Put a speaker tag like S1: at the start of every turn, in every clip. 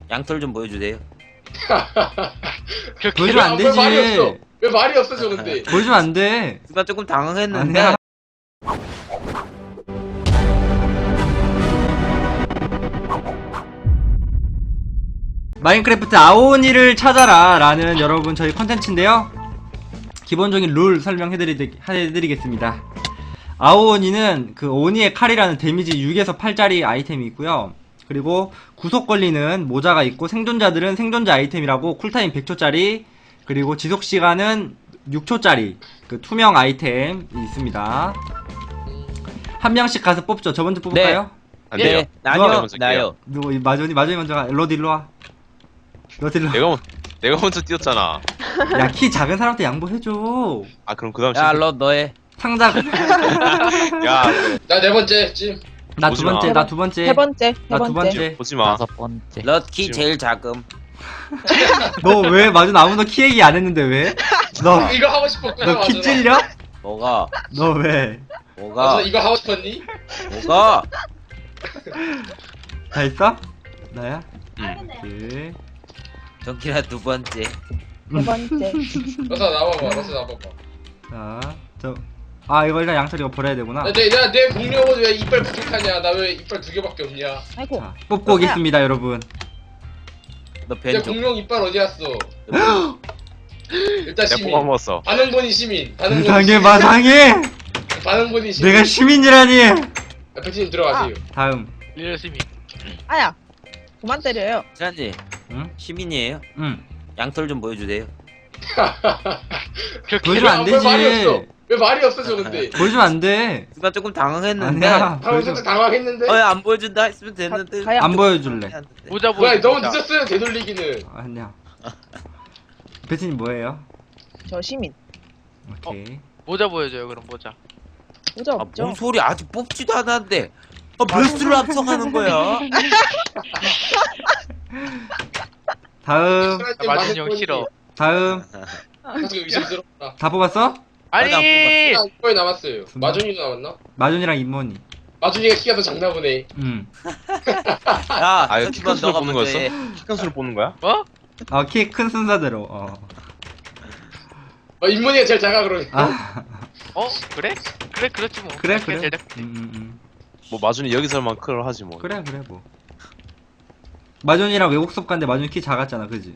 S1: 양털 좀 보여주세요.
S2: 보여주면 안 되지.
S3: 왜 말이 없어? 왜 말이 없어져 근데?
S2: 보여주면 안 돼.
S1: 순간 조금 당황했는데.
S2: 아니야. 마인크래프트 아오니를 찾아라 라는 여러분 저희 컨텐츠인데요. 기본적인 룰 설명해드리겠습니다. 아오니는 그 오니의 칼이라는 데미지 6에서 8짜리 아이템이 있고요. 그리고 구속 걸리는 모자가 있고, 생존자들은 생존자 아이템이라고 쿨타임 100초짜리, 그리고 지속시간은 6초짜리 그 투명 아이템이 있습니다. 한 명씩 가서 뽑죠. 저 먼저 뽑을까요?
S4: 안 돼요.
S1: 네, 나요,
S4: 먼저
S1: 나요.
S2: 누구 마존이 먼저 가. 로드 일로와. 로드 일로와.
S4: 내가 먼저 뛰었잖아.
S2: 야, 키 작은 사람한테 양보해줘.
S4: 아 그럼 그다음
S1: 야, 러 너해.
S2: 상자.
S4: 야
S3: 나 네 번째 찜.
S2: 나 두
S4: 오지 마.
S2: 번째, 나 두 번째.
S5: 세 번째,
S2: 나 두 번째.
S4: 보지 마.
S6: 다섯 번째.
S1: 키 제일 작음.
S2: 너 왜 마존 아무도 키 얘기 안 했는데 왜? 너
S3: 이거 하고 싶었구나.
S2: 너 키
S3: 맞아.
S2: 찔려?
S1: 뭐가?
S2: 너 왜?
S1: 뭐가?
S3: 이거 하고 싶었니?
S1: 뭐가?
S2: 다 있어? 나야?
S4: 응.
S2: 오케이.
S1: 정키라 두 번째.
S5: 세 번째.
S3: 러사 나와봐. 러사 나와봐.
S2: 자, 이거 일단 양털 이거 버려야 되구나.
S3: 내 공룡은 왜 이빨 부족하냐? 나 왜 이빨 2개밖에 없냐?
S5: 아이고.
S2: 자, 뽑고 오겠습니다, 여러분.
S1: 너
S3: 내
S1: 벤 좀.
S3: 공룡 이빨 어디 갔어? 일단
S4: 내가
S3: 시민.
S4: 뽑아 먹었어.
S3: 반응본이 시민. 반응본이
S2: 세상에
S3: 시민.
S2: 마상해!
S3: 반응본이 시민.
S2: 내가 시민이라니!
S3: 백팀 들어가세요.
S2: 다음.
S5: 아야. 그만 때려요.
S1: 지난지
S2: 응?
S1: 시민이에요?
S2: 응.
S1: 양털 좀 보여주세요.
S2: 보여주면 안
S3: 왜 말이
S2: 되지.
S3: 없어? 왜 말이 없어져 근데?
S2: 보여주면 안 돼.
S1: 순간 조금 당황했는데.
S2: 아니야.
S3: 방금 당황했는데?
S1: 안 보여준다 했으면 됐는데.
S5: 가야.
S2: 안 보여줄래.
S6: 모자
S3: 뭐야 너무 늦었어요 되돌리기는.
S2: 아니야. 배트님 뭐예요?
S5: 저 시민.
S2: 오케이.
S6: 모자 보여줘요. 그럼 모자.
S5: 모자
S1: 아,
S5: 없죠?
S1: 뭔 소리 아직 뽑지도 않았는데. 몇 수를 합성하는 거야?
S2: 다음.
S6: 마진 형 싫어.
S2: 다음.
S3: 사실 의심스럽다.
S2: 다 뽑았어?
S6: 아니.
S3: 아, 이거에 남았어요. 마준이도 남았나?
S2: 마존이랑 임모니.
S3: 마준이가 키가 더 작나 보네.
S1: 야,
S4: 아 이거
S1: 천수만
S4: 키칸수를
S1: 너가
S4: 뽑는
S1: 먼저
S4: 거였어?
S1: 해.
S4: 키칸수를 뽑는 거야?
S6: 뭐?
S2: 키 큰 순서대로.
S3: 인문이가 제일 작아 그러니까.
S2: 아,
S6: 어? 그래? 그래 그렇지 뭐.
S2: 그래,
S6: 그냥
S2: 그래.
S6: 제작-
S4: 뭐 마준이 여기서만 클을 하지 뭐.
S2: 그래, 뭐. 마존이랑 외국 수업 갔는데 마존 키 작았잖아, 그지?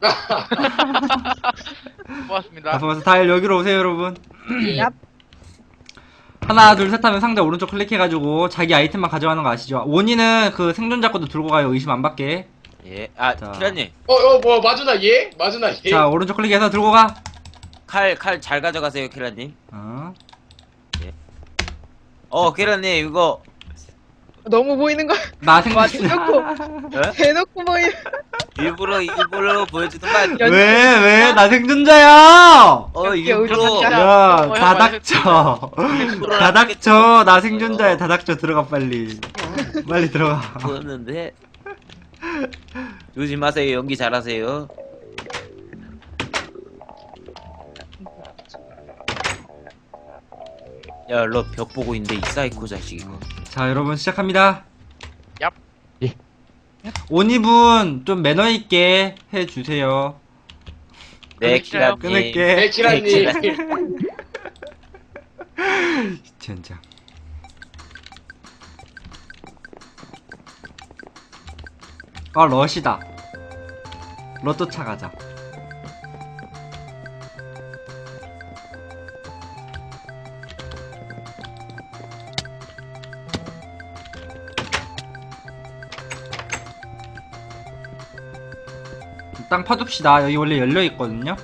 S6: 고맙습니다.
S2: 다 뽑아서 다 여기로 오세요, 여러분.
S3: 예.
S5: 얍.
S2: 하나, 둘, 셋 하면 상대 오른쪽 클릭해가지고 자기 아이템만 가져가는 거 아시죠? 원인은 그 생존자 것도 들고 가요, 의심 안 받게.
S1: 예.
S2: 자.
S1: 키라님.
S3: 뭐 마준아 얘? 마준아 얘?
S2: 자, 오른쪽 클릭해서 들고 가.
S1: 칼 잘 가져가세요, 키라님. 키라님, 이거.
S5: 너무 보이는 거.
S2: 나
S5: 와,
S2: 생존.
S5: 대놓고. 대놓고 보이는.
S1: 일부러 보여주던 거 아니야?
S2: 왜? 나 생존자야!
S1: 일부러.
S2: 야,
S6: 형
S2: 다 닥쳐. 다 닥쳐. 나 생존자야. 다 닥쳐. 들어가, 빨리. 빨리 들어가.
S1: 보였는데. 조심하세요, 연기 잘하세요. 야, 너 벽 보고 있는데 이 사이코 자식 이거.
S2: 자, 여러분, 시작합니다.
S6: 얍. 예.
S2: 온이분, 좀 매너있게 해주세요.
S1: 네,
S6: 끊을게요.
S1: 키라님.
S2: 끊을게.
S3: 네 키라님.
S2: 젠장. 러시다. 러또 차가자. 땅 파둡시다. 여기 원래 열려있거든요.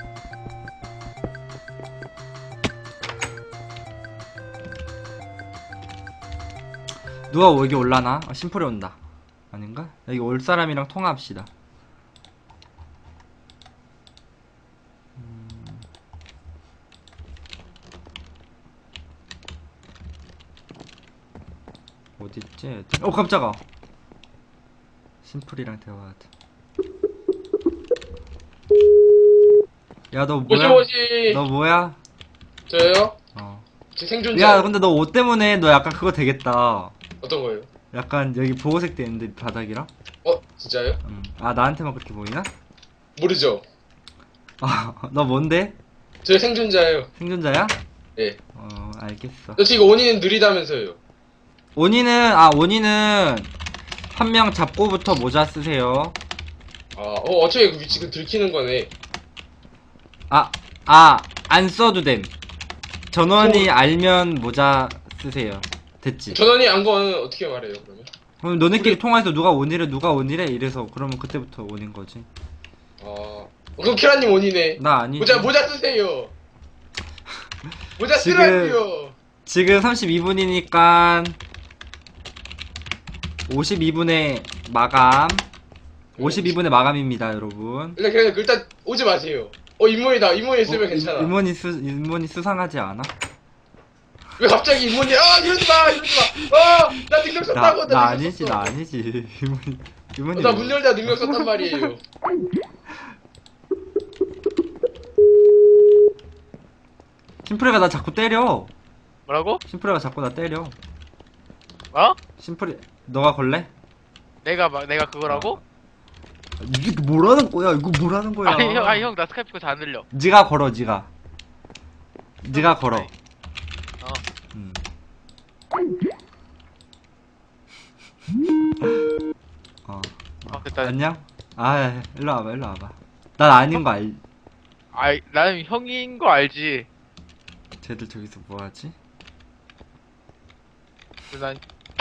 S2: 누가 여기 올라나? 심플이 온다. 아닌가? 여기 올 사람이랑 통화합시다. 어딨지? 깜짝아. 심플이랑 대화하자. 야, 너 뭐야?
S3: 모시모시.
S2: 너 뭐야?
S3: 저요? 제 생존자.
S2: 야, 근데 너 옷 때문에 너 약간 그거 되겠다.
S3: 어떤 거예요?
S2: 약간 여기 보호색 되는데 바닥이랑?
S3: 진짜요?
S2: 아 나한테만 그렇게 보이나?
S3: 모르죠.
S2: 너 뭔데?
S3: 저 생존자예요.
S2: 생존자야?
S3: 예.
S2: 알겠어.
S3: 저 지금 원인은 느리다면서요.
S2: 온이는 한 명 잡고부터 모자 쓰세요.
S3: 어차피 그 위치 그 들키는 거네.
S2: 안 써도 됨. 전원이 알면 모자 쓰세요. 됐지?
S3: 전원이 안 거는 어떻게 말해요, 그러면?
S2: 그럼 너네끼리 통화해서 누가 온이래 이래서 그러면 그때부터 온인 거지.
S3: 그럼 키라님 원이네.
S2: 나 아니지.
S3: 모자 쓰세요. 모자
S2: 지금-
S3: 쓰라고요.
S2: 지금 32분이니까 52분에 마감. 52분에 마감입니다, 여러분.
S3: 일단 오지 마세요. 인문이다. 인문이 있으면 괜찮아.
S2: 인문이 수상하지 않아?
S3: 왜 갑자기 인문이 이러지 마. 나 능력 썼다고.
S2: 나 아니지. 인문이
S3: 나 문 열다 능력 썼단 말이에요.
S2: 심플이가 나 자꾸 때려.
S6: 뭐라고?
S2: 심플이가 자꾸 나 때려.
S6: 어?
S2: 심플이 너가 걸래?
S6: 내가 그거라고?
S2: 이게 뭐라는 거야? 이거 뭐라는 거야?
S6: 형 나 스카이프 거 잘 안 들려.
S2: 네가 걸어, 네가 걸어.
S6: 어. 됐다.
S2: 안녕? 일로 와봐. 난 아닌 거
S6: 나는 형인 거 알지.
S2: 쟤들 저기서 뭐 하지?
S6: 난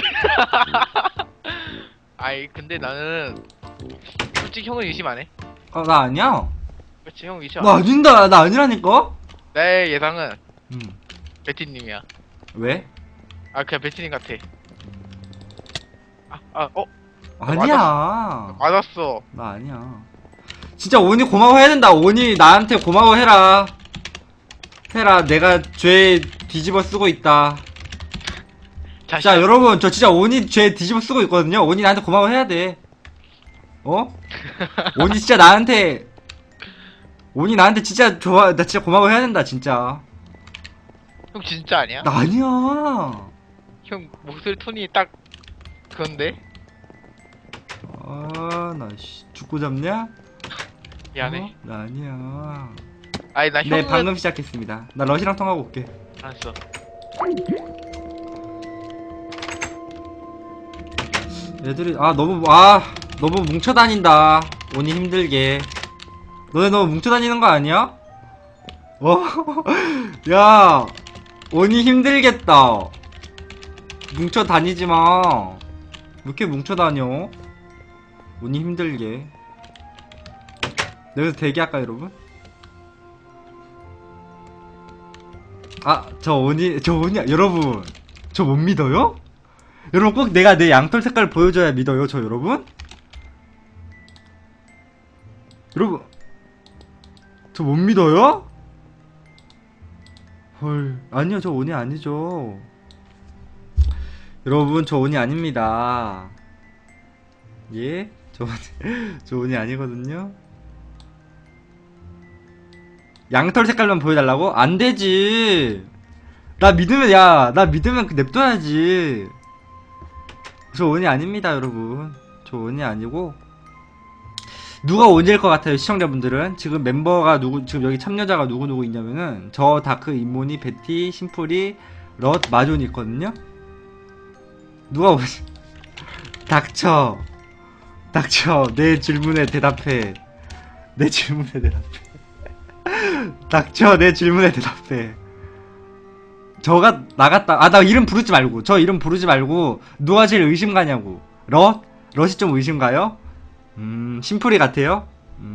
S6: 근데 나는 솔직히 형은 의심 안 해.
S2: 나 아니야.
S6: 그렇지, 형 의심
S2: 나
S6: 안 해.
S2: 아닌다. 나 아니라니까?
S6: 내 예상은
S2: 음.
S6: 베티님이야.
S2: 왜?
S6: 그냥 베티님 같아.
S2: 아니야.
S6: 맞았어.
S2: 나 아니야. 진짜 온이 고마워해야 된다. 온이 나한테 고마워해라. 내가 죄 뒤집어 쓰고 있다. 자, 여러분, 저 진짜 온이 죄 뒤집어 쓰고 있거든요. 온이 나한테 고마워해야 돼. 온이 진짜 나한테 진짜 나 진짜 고마워해야 된다, 진짜.
S6: 형 진짜 아니야?
S2: 나 아니야.
S6: 형 목소리 톤이 딱 그건데?
S2: 나 죽고 잡냐?
S6: 미안해.
S2: 나 아니야.
S6: 나
S2: 네,
S6: 형은
S2: 방금 시작했습니다. 나 러시랑 통하고 올게.
S6: 알았어.
S2: 애들이 너무 뭉쳐 다닌다. 온이 힘들게. 너네 너무 뭉쳐 다니는 거 아니야? 야, 온이 힘들겠다. 뭉쳐 다니지 마. 왜 이렇게 뭉쳐 다녀? 온이 힘들게. 여기서 대기할까, 여러분? 여러분, 저 못 믿어요? 여러분, 꼭 내가 내 양털 색깔을 보여줘야 믿어요, 저 여러분? 여러분, 저 못 믿어요? 헐, 아니요, 저 온이 아니죠. 여러분, 저 온이 아닙니다. 예? 저 온이 아니거든요? 양털 색깔만 보여달라고? 안 되지. 나 믿으면 냅둬야지. 저 온이 아닙니다, 여러분. 저 온이 아니고. 누가 온일 것 같아요, 시청자분들은? 지금 멤버가 지금 여기 참여자가 누구 있냐면은, 저 다크, 인모니, 베티, 심플이, 럿, 마존이 있거든요? 누가 오지? 닥쳐. 내 질문에 대답해. 닥쳐, 내 질문에 대답해. 저가 나갔다. 나 이름 부르지 말고. 저 이름 부르지 말고. 누가 제일 의심 가냐고. 럿이 좀 의심 가요? 심플이 같아요?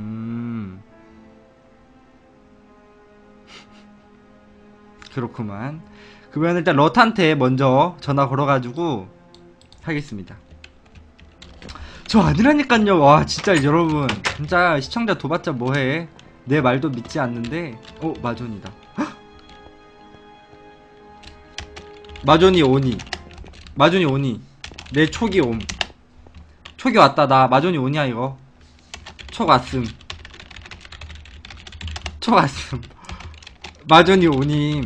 S2: 그렇구만. 그러면 일단 럿한테 먼저 전화 걸어가지고 하겠습니다. 저 아니라니깐요. 와, 진짜 여러분. 진짜 시청자 둬봤자 뭐해. 내 말도 믿지 않는데. 마존이다. 마존이 오니. 내 촉이 옴. 촉이 왔다. 나 마존이 오냐 이거. 촉 왔음. 마존이 오님.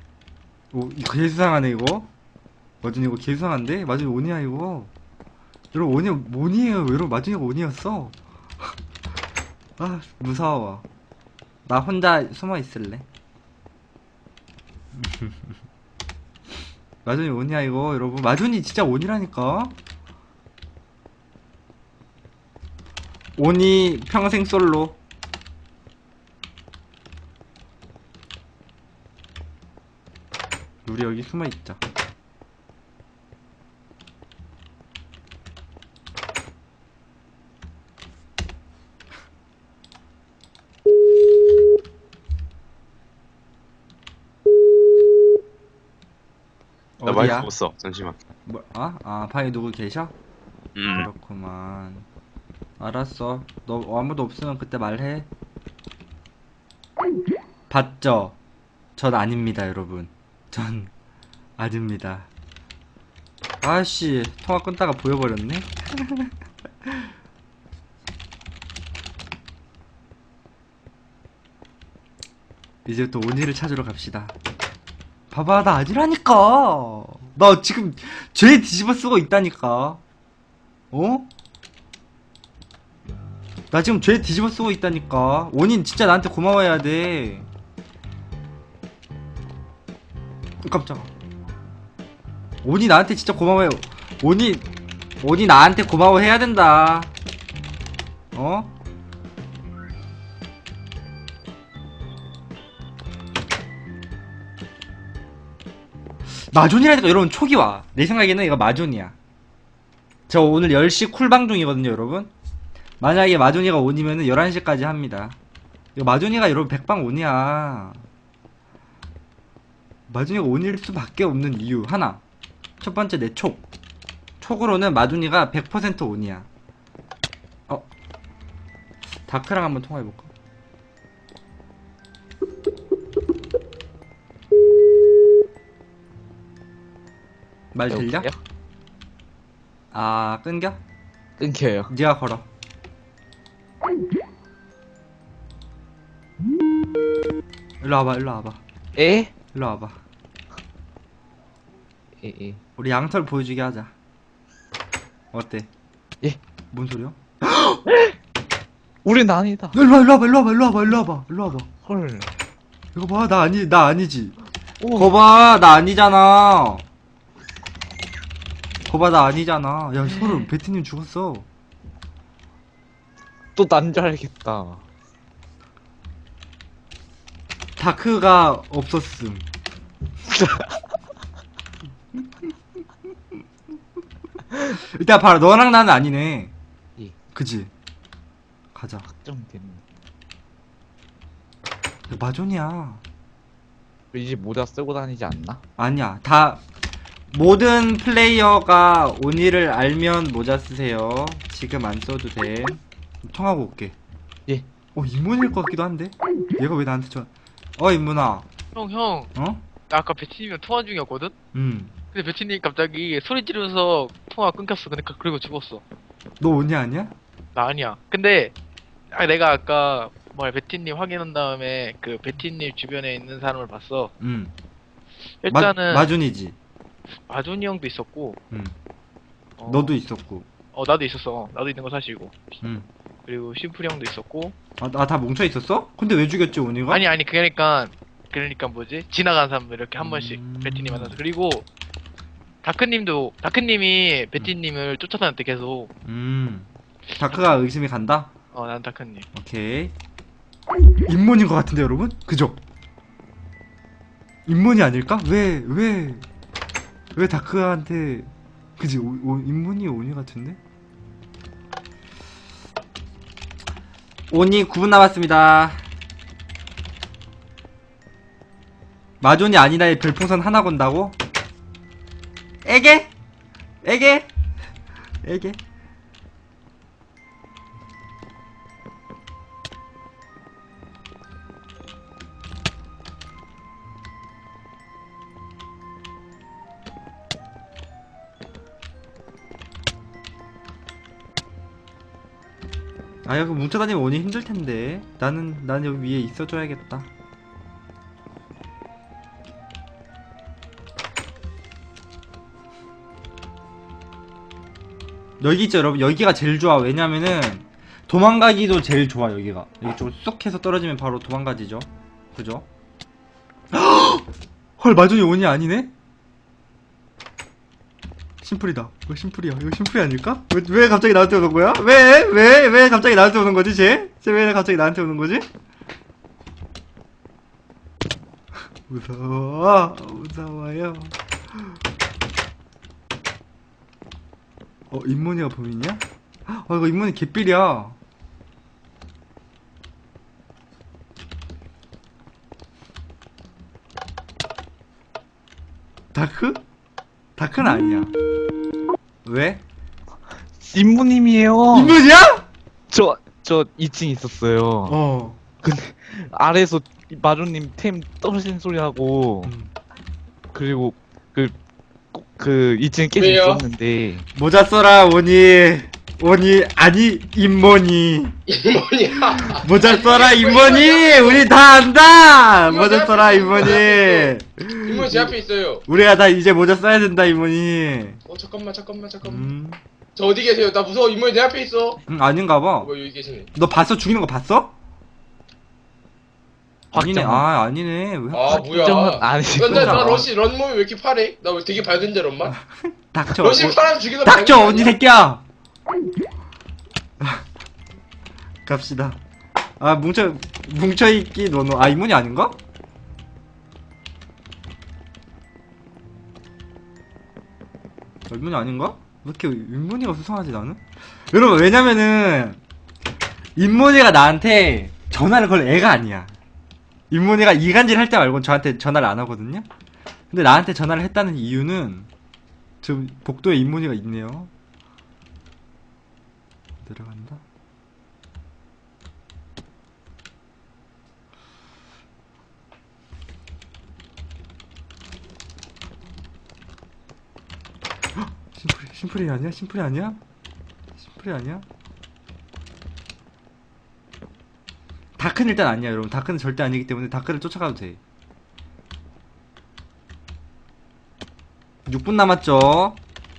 S2: 이거 개수상하네 이거. 마존이 이거 개수상한데? 마존이 오냐 이거. 여러분 온이에요. 여러분 마준이가 온이었어. 아 무서워. 나 혼자 숨어 있을래. 마준이 온이야 이거 여러분. 마준이 진짜 온이라니까. 온이 평생 솔로. 우리 여기 숨어 있자.
S4: 나 마이크
S2: 어디야?
S4: 없어. 잠시만.
S2: 뭐, 아, 방에 누구 계셔?
S4: 음.
S2: 그렇구만. 알았어. 너 아무도 없으면 그때 말해. 봤죠? 전 아닙니다, 여러분. 전 아닙니다. 아씨, 통화 끊다가 보여버렸네? 이제부터 온이를 찾으러 갑시다. 봐봐, 나 아니라니까. 나 지금 죄 뒤집어 쓰고 있다니까. 어? 나 지금 죄 뒤집어 쓰고 있다니까. 온인 진짜 나한테 고마워해야 돼. 깜짝아. 온이 나한테 진짜 고마워해. 온이 나한테 고마워해야 된다. 어? 마존이라니까 여러분 촉이 와. 내 생각에는 이거 마존이야. 저 오늘 10시 쿨방 중이거든요 여러분. 만약에 마존이가 온이면은 11시까지 합니다. 이거 마존이가 여러분 백방 온이야. 마존이가 온일 수밖에 없는 이유 하나. 첫 번째 내 촉. 촉으로는 마존이가 100% 온이야. 다크랑 한번 통화해볼까? 말 들려?
S1: 여보세요?
S2: 아 끊겨?
S1: 끊겨요.
S2: 네가 걸어. 일로 와봐 일로 와봐
S1: 에?
S2: 일로 와봐.
S1: 에.
S2: 우리 양털 보여주게 하자. 어때?
S1: 예.
S2: 뭔 소리야?
S1: 우린 아니다.
S2: 일로 와봐 일로 와봐 일로 와봐 일로 와봐 일로 와봐.
S1: 헐.
S2: 이거 봐, 나 아니지.
S1: 오.
S2: 거봐, 나 아니잖아. 거봐, 나 아니잖아. 야, 소름, 베티님 죽었어.
S1: 또 난 줄 알겠다.
S2: 다크가 없었음. 일단 봐라, 너랑 나는 아니네.
S1: 예.
S2: 그지? 가자.
S1: 확정됐네.
S2: 야, 마존이야.
S1: 이제 모자 쓰고 다니지 않나?
S2: 아니야, 모든 플레이어가 온이를 알면 모자 쓰세요. 지금 안 써도 돼. 통하고 올게.
S1: 예.
S2: 인문일 것 같기도 한데? 얘가 왜 나한테 인문아.
S6: 형,
S2: 어?
S6: 나 아까 베티님이랑 통화 중이었거든? 근데 베티님 갑자기 소리 지르면서 통화 끊겼어. 그리고 죽었어.
S2: 너 온이 아니야?
S6: 나 아니야. 근데 내가 아까 베티님 확인한 다음에 그 베티님 주변에 있는 사람을 봤어. 일단은
S2: 마준이지.
S6: 마존이 형도 있었고,
S2: 너도 있었고.
S6: 나도 있었어. 나도 있는 거 사실이고.
S2: 응.
S6: 그리고 심플이 형도 있었고.
S2: 다 뭉쳐 있었어? 근데 왜 죽였지 온이가?
S6: 아니 그러니까 뭐지? 지나간 사람들 이렇게 한 번씩 베티님 만나서. 그리고 다크님이 베티님을 쫓아다녔대 계속.
S2: 다크가 의심이 간다?
S6: 난 다크님.
S2: 오케이. 인문인 것 같은데 여러분? 그죠? 인문이 아닐까? 왜 다크한테 그지? 인문이 온이 같은데? 온이 9분 남았습니다. 마존이 아니다의 별풍선 하나 건다고? 에게? 여기 뭉쳐다니면 온이 힘들텐데. 나는 여기 위에 있어줘야겠다. 여기 있죠 여러분. 여기가 제일 좋아. 왜냐면은 도망가기도 제일 좋아. 여기가 여기 쪽으로 쑥 해서 떨어지면 바로 도망가지죠. 그죠? 헐 마존이 온이 아니네? 심플이다. 이거 심플이야. 이거 심플이 아닐까? 왜 갑자기 나한테 오는 거야? 왜 갑자기 나한테 오는 거지 쟤? 쟤 왜 갑자기 나한테 오는 거지? 무서워요. 인문이가 범인이야? 이거 인문이 개삘이야. 다크? 다크는 아니야. 왜?
S7: 인무님이에요.
S2: 인문이야?
S7: 저 2층 있었어요. 아래에서 마루님 템 떨어지는 소리 하고 그리고 그 2층 계속
S3: 왜요?
S7: 있었는데
S2: 모자 써라 오니 아니 인문이
S3: 이모니야.
S2: 모자 써라 인문이 우리 다 안다.
S3: 이모
S2: 모자
S3: 제
S2: 써라
S3: 앞에
S2: 인문이.
S3: 이모 제 앞에 있어요.
S2: 우리가 다 이제 모자 써야 된다 인문이.
S3: 잠깐만. 저 어디 계세요? 나 무서워. 이모니 내 앞에 있어.
S2: 아닌가봐.
S3: 여기 계시네.
S2: 너 봤어? 죽이는 거 봤어? 아니네.
S7: 박정은.
S2: 아니네. 왜?
S3: 뭐야.
S7: 아니시고
S3: 나 러시 런몸이 왜 이렇게 파래? 나 왜 되게 밝은데 런만?
S2: 닥쳐.
S3: 러시 파람 죽이는
S2: 닥쳐 언니 새끼야. 갑시다. 뭉쳐있기 너너. 인문이 아닌가? 인문이 아닌가? 왜 이렇게 인문이가 수상하지 나는? 여러분 왜냐면은 인문이가 나한테 전화를 걸 애가 아니야. 인문이가 이간질 할 때 말고는 저한테 전화를 안 하거든요. 근데 나한테 전화를 했다는 이유는 지금 복도에 인문이가 있네요. 내려간다. 심플이 아니야? 심플이 아니야? 심플이 아니야? 다크는 일단 아니야 여러분. 다크는 절대 아니기 때문에 다크를 쫓아가도 돼. 6분 남았죠?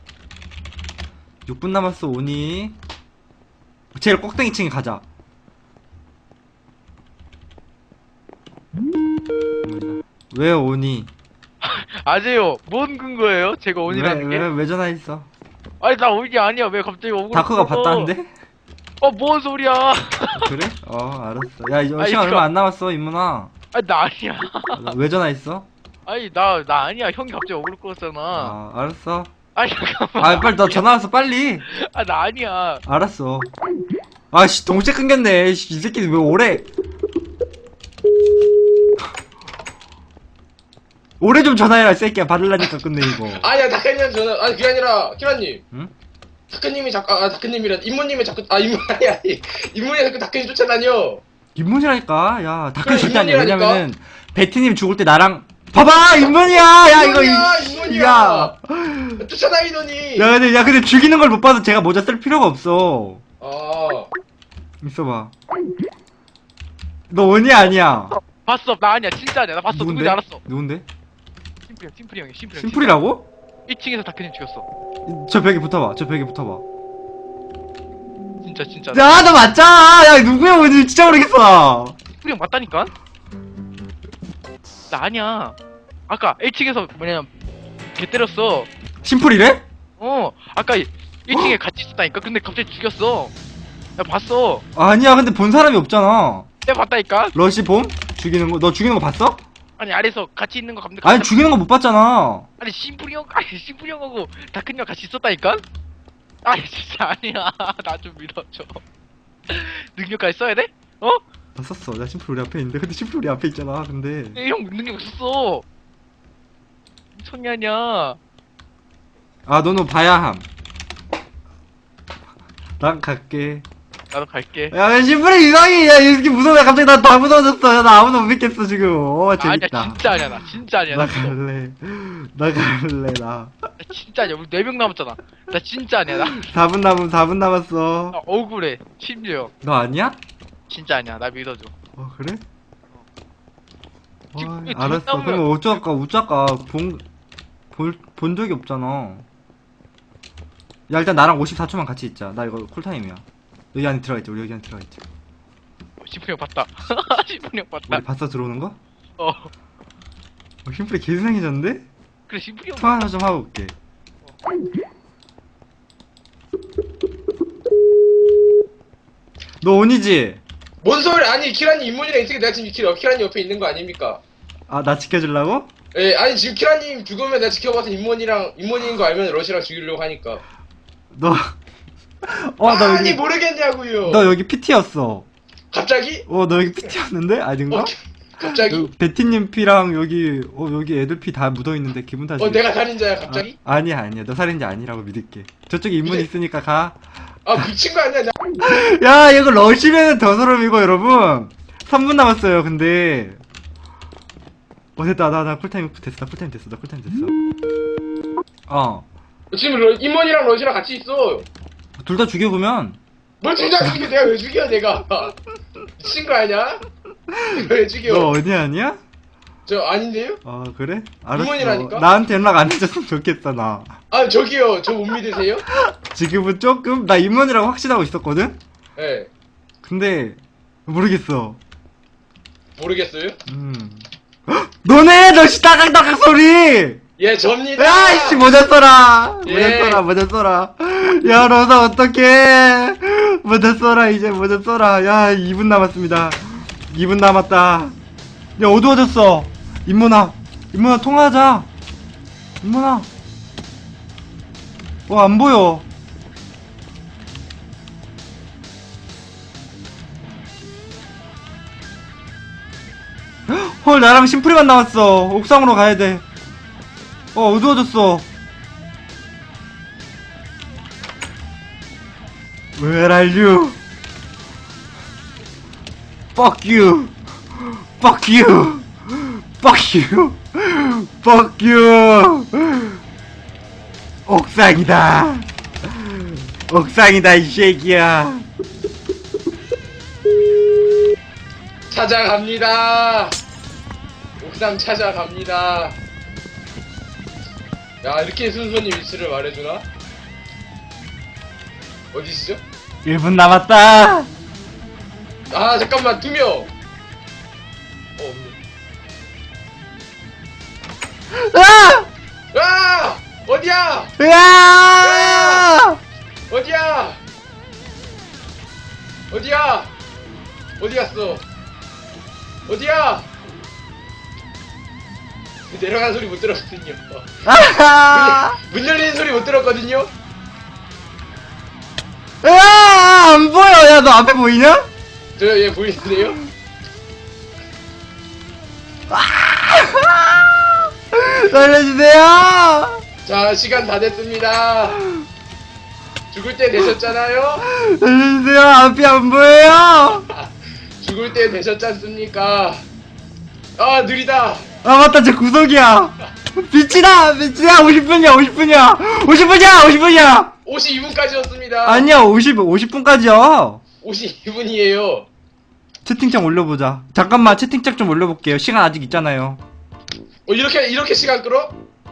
S2: 6분 남았어 오니. 제일 꼭대기 층에 가자. 왜 오니?
S6: 아재요. 뭔 근거예요? 제가 온이라는 게?
S2: 왜 전화했어?
S6: 아니 나 온이 아니야. 왜 갑자기 오고?
S2: 다크가 봤다는데?
S6: 뭔 소리야?
S2: 그래? 알았어. 야 이제
S6: 아니,
S2: 시간 얼마 안 남았어 인문아.
S6: 아니 나 아니야.
S2: 왜 전화했어?
S6: 아니 나 아니야. 형이 갑자기 오글 거였잖아.
S2: 알았어.
S6: 아니 잠깐만.
S2: 빨리 너 전화 왔어 빨리.
S6: 나 아니야.
S2: 알았어. 아씨 동시에 끊겼네. 이 새끼 왜 오래? 오래 좀 전화해라 이 새끼야. 받으려니까 끝내 이거.
S3: 아니야 다크님 전화. 아니 그게 아니라 키라님.
S2: 응?
S3: 다크님이 다크님이라 인모님이 자꾸 인모 아니 인모이 자꾸 다크님 쫓아다녀.
S2: 인문이라니까. 야 다크
S3: 그래,
S2: 절대 아니야.
S3: 인문이라니까.
S2: 왜냐면은 베티님 죽을 때 나랑 봐봐 인문이야. 야 이거
S3: 인모니야.
S2: 야.
S3: 쫓아다니더니.
S2: 근데 죽이는 걸 못 봐서 제가 모자 쓸 필요가 없어. 있어봐. 너 원이 아니야.
S6: 봤어. 나 아니야. 진짜 아니야. 나 봤어. 누군지 알았어.
S2: 누군데?
S6: 심플이 형이. 심플이 형.
S2: 심플이라고?
S6: 1층에서 다크님 죽였어.
S2: 저 벽에 붙어봐. 저 벽에 붙어봐.
S6: 진짜.
S2: 야, 너 맞잖아. 야, 누구야, 뭔지 진짜 모르겠어.
S6: 심플이 형 맞다니까? 나 아니야. 아까 1층에서 걔 때렸어.
S2: 심플이래?
S6: 아까 1층에 같이 있었다니까? 근데 갑자기 죽였어. 나 봤어.
S2: 아니야, 근데 본 사람이 없잖아.
S6: 내가 봤다니까?
S2: 러시 봄? 죽이는 거? 너 죽이는 거 봤어?
S6: 아니 아래서 같이 있는 거 감독.
S2: 아니, 죽이는 거 못 봤잖아.
S6: 아니 심플이 형하고 다큰 형 같이 있었다니까? 아니 진짜 아니야. 나 좀 믿어줘. 능력까지 써야 돼?
S2: 봤었어. 나 심플 우리 앞에 있는데. 근데 심플 우리 앞에 있잖아. 근데.
S6: 형 능력 없었어. 미쳤냐 아니야.
S2: 너는 봐야 함. 난 갈게.
S6: 나도 갈게.
S2: 야, 심플이 이상해. 야, 이렇게 무서워. 갑자기 나 다 무서워졌어. 나 아무도 못 믿겠어, 지금. 재밌다.
S6: 아니야 진짜 아니야. 나 진짜 아니야.
S2: 나
S6: 나 믿어.
S2: 갈래. 나 갈래, 나.
S6: 나 진짜 아니야. 우리 4명 남았잖아. 나 진짜 아니야. 나
S2: 4분 남았어.
S6: 억울해. 심지어.
S2: 너 아니야?
S6: 진짜 아니야. 나 믿어줘.
S2: 그래?
S6: 지금 이게
S2: 알았어.
S6: 뒷담화야.
S2: 그럼 어쩌까 본 적이 없잖아. 야 일단 나랑 54초만 같이 있자. 나 이거 쿨타임이야. 여기 안에 들어가 있자. 우리 여기 안에 들어가 있자.
S6: 시프리 형 봤다. 시프리 형 봤다.
S2: 우리 봤어 들어오는 거?
S6: 어.
S2: 심플이 개이상해졌는데?
S6: 그래 시프리 형.
S2: 통화 하나 좀 하고 올게. 너 온이지?
S3: 뭔 소리? 아니 키라님 인문이랑 있으니까 내가 지금 키라님 옆에 있는 거 아닙니까?
S2: 아 나 지켜주려고?
S3: 예, 아니 지금 키라님 죽으면 내가 지켜봐서 인문인 거 알면 러시랑 죽이려고 하니까.
S2: 너 나
S3: 아니
S2: 여기
S3: 모르겠냐고요.
S2: 너 여기 PT였어.
S3: 갑자기?
S2: 너 여기 PT였는데? 아닌가?
S3: 갑자기?
S2: 베티님 피랑 여기 여기 애들 피 다 묻어있는데 기분 탓이.
S3: 내가 살인자야 갑자기?
S2: 아니야 너 살인자 아니라고 믿을게. 저쪽에 인문 있으니까 가.
S3: 아 미친 거 아니야?
S2: 야 이거 러시면은 더 소름이고 여러분 3분 남았어요. 근데 됐다. 나 쿨타임 됐어. 나 쿨타임 됐어.
S3: 지금 인문이랑 러시랑 같이 있어.
S2: 둘 다 죽여보면
S3: 뭘 둘 다 죽여? 내가 왜 죽여 내가? 미친 거 아니야? 왜 죽여?
S2: 너 어디 아니야?
S3: 저 아닌데요?
S2: 그래? 알았어.
S3: 인문이라니까?
S2: 나한테 연락 안 해줬으면 좋겠어 나.
S3: 아 저기요 저 못 믿으세요?
S2: 지금은 조금 나 인문이라고 확신하고 있었거든?
S3: 예.
S2: 근데 모르겠어.
S3: 모르겠어요?
S2: 너네 너씨 따각따각 소리.
S3: 예 접니다.
S2: 야이씨 모자 써라.
S3: 예.
S2: 모자 써라. 야 너사 어떡해. 모자 써라 이제 모자 써라. 야 2분 남았습니다. 2분 남았다. 야 어두워졌어. 인문아 통화하자. 인문아. 안 보여. 헐 나랑 심플이만 남았어. 옥상으로 가야 돼. 어두워졌어. Where are you? Fuck you. Fuck you. Fuck you. Fuck you. 옥상이다. 옥상이다 이 새끼야.
S3: 찾아갑니다. 옥상 찾아갑니다. 야 이렇게 순서님 위치를 말해주나? 어디시죠?
S2: 1분 남았다.
S3: 아 잠깐만 2명. 없네.
S2: 아!
S3: 아 어디야?
S2: 으아!
S3: 어디야? 어디야? 어디 갔어? 어디야? 내려가는 소리 못 들었거든요.
S2: 아하!
S3: 문 열리는 소리 못 들었거든요.
S2: 안 보여. 야, 너 앞에 보이냐?
S3: 저 얘 보이는데요?
S2: 살려주세요.
S3: 자 시간 다 됐습니다. 죽을 때 되셨잖아요?
S2: 살려주세요. 앞이 안 보여요.
S3: 죽을 때 되셨지 않습니까? 아 느리다.
S2: 아 맞다, 저 구석이야. 빛이다. 50분이야.
S3: 52분까지였습니다.
S2: 아니야, 50분까지야.
S3: 52분이에요.
S2: 채팅창 올려보자. 잠깐만, 채팅창 좀 올려볼게요. 시간 아직 있잖아요.
S3: 이렇게 시간 끌어?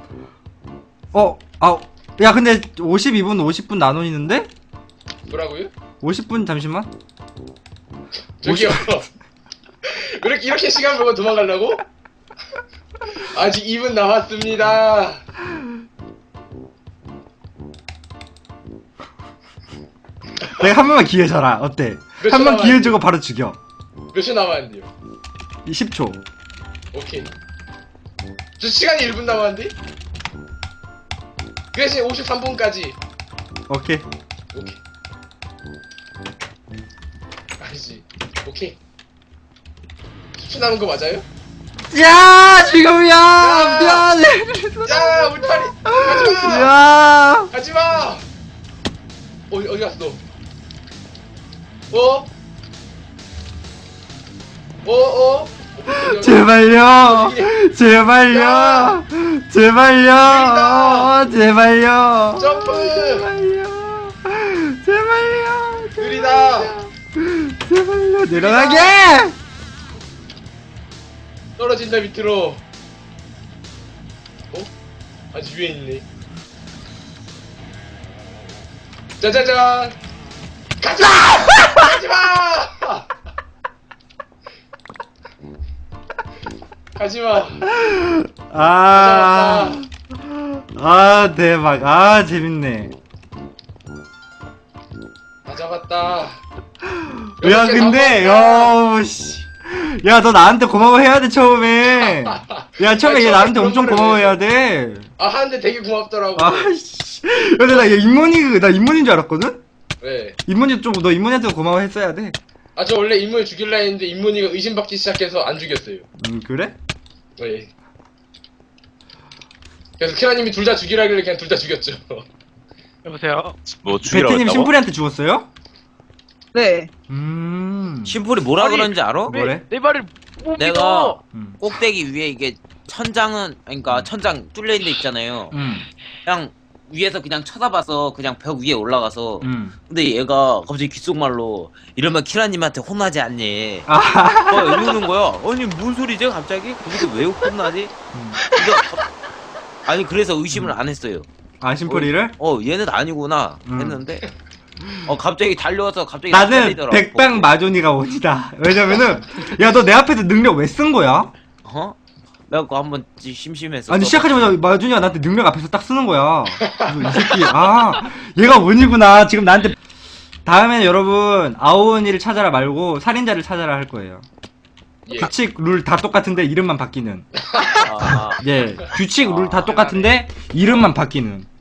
S2: 야, 근데 52분, 50분 나눠있는데?
S3: 뭐라고요?
S2: 50분 잠시만.
S3: 저기요. 이렇게 시간 보고 도망가려고? 아직 2분 남았습니다.
S2: 내가 한 번만 기회 줘라. 어때?
S3: 몇
S2: 한
S3: 초
S2: 번 기회
S3: 남았는데?
S2: 주고 바로 죽여.
S3: 몇 초 남았는데요?
S2: 10초.
S3: 오케이. 저 시간이 1분 남았는데? 그 대신 53분까지.
S2: 오케이.
S3: 오케이. 아니지. 오케이. 10초 남은 거 맞아요?
S2: 야, 지금이야. 미안해.
S3: 야, 울타리. 가지마.
S2: 야.
S3: 가지마. 어디 갔어? 어? 어?
S2: 제발요. 제발요.
S3: 야.
S2: 제발요. 제발요.
S3: 점프.
S2: 제발요. 제발요.
S3: 느리다.
S2: 제발요. 내려가게.
S3: 떨어진다 밑으로. 아직 위에 있네. 짜자잔. 가지마! 가지마! 가지마.
S2: 아, 대박. 아, 재밌네.
S3: 다 잡았다.
S2: 야, 근데, 씨. 야, 너 나한테 고마워해야 돼, 처음에. 야, 처음에
S3: 아니,
S2: 얘 나한테
S3: 그런
S2: 엄청
S3: 거를
S2: 고마워해야 돼.
S3: 아, 하는데 되게 고맙더라고.
S2: 아씨. 근데 나 인문인 줄 알았거든?
S3: 네.
S2: 너 인문이한테 고마워했어야 돼.
S3: 아, 저 원래 인문을 죽일라 했는데 인문이가 의심받기 시작해서 안 죽였어요.
S2: 그래?
S3: 네. 그래서 키라님이 둘 다 죽이라길래 그냥 둘 다 죽였죠.
S6: 여보세요.
S4: 뭐 죽이라고
S2: 베트님
S4: 했다고?
S2: 심플이한테 죽었어요?
S5: 네.
S1: 심플이 뭐라
S6: 아니,
S1: 그러는지 알아?
S2: 뭐래?
S6: 내 말을 못
S1: 내가
S6: 믿어.
S1: 꼭대기 위에 이게 천장은 그러니까 천장 뚫려 있는 데 있잖아요. 그냥 위에서 그냥 쳐다봐서 그냥 벽 위에 올라가서 근데 얘가 갑자기 귓속말로 이러면 키라님한테 혼나지 않니? 이러는 거야. 아니 뭔 소리지 갑자기? 거기서 왜 혼나지? 아니 그래서 의심을 안 했어요.
S2: 아, 심플이를?
S1: 얘는 아니구나 했는데 갑자기 달려와서 갑자기
S2: 나는
S1: 살리더라고.
S2: 백방 마존이가 원이다. 왜냐면은, 야, 너 내 앞에서 능력 왜 쓴 거야?
S1: 내가 그거 한번 심심해서
S2: 아니, 시작하자마자 마존이가 나한테 능력 앞에서 딱 쓰는 거야. 그래서 이 새끼, 얘가 원이구나. 지금 나한테. 다음에는 여러분, 아오니를 찾아라 말고, 살인자를 찾아라 할 거예요.
S3: 예.
S2: 규칙, 룰 다 똑같은데, 이름만 바뀌는.
S1: 아,
S2: 예. 규칙, 룰 다 똑같은데, 이름만 바뀌는.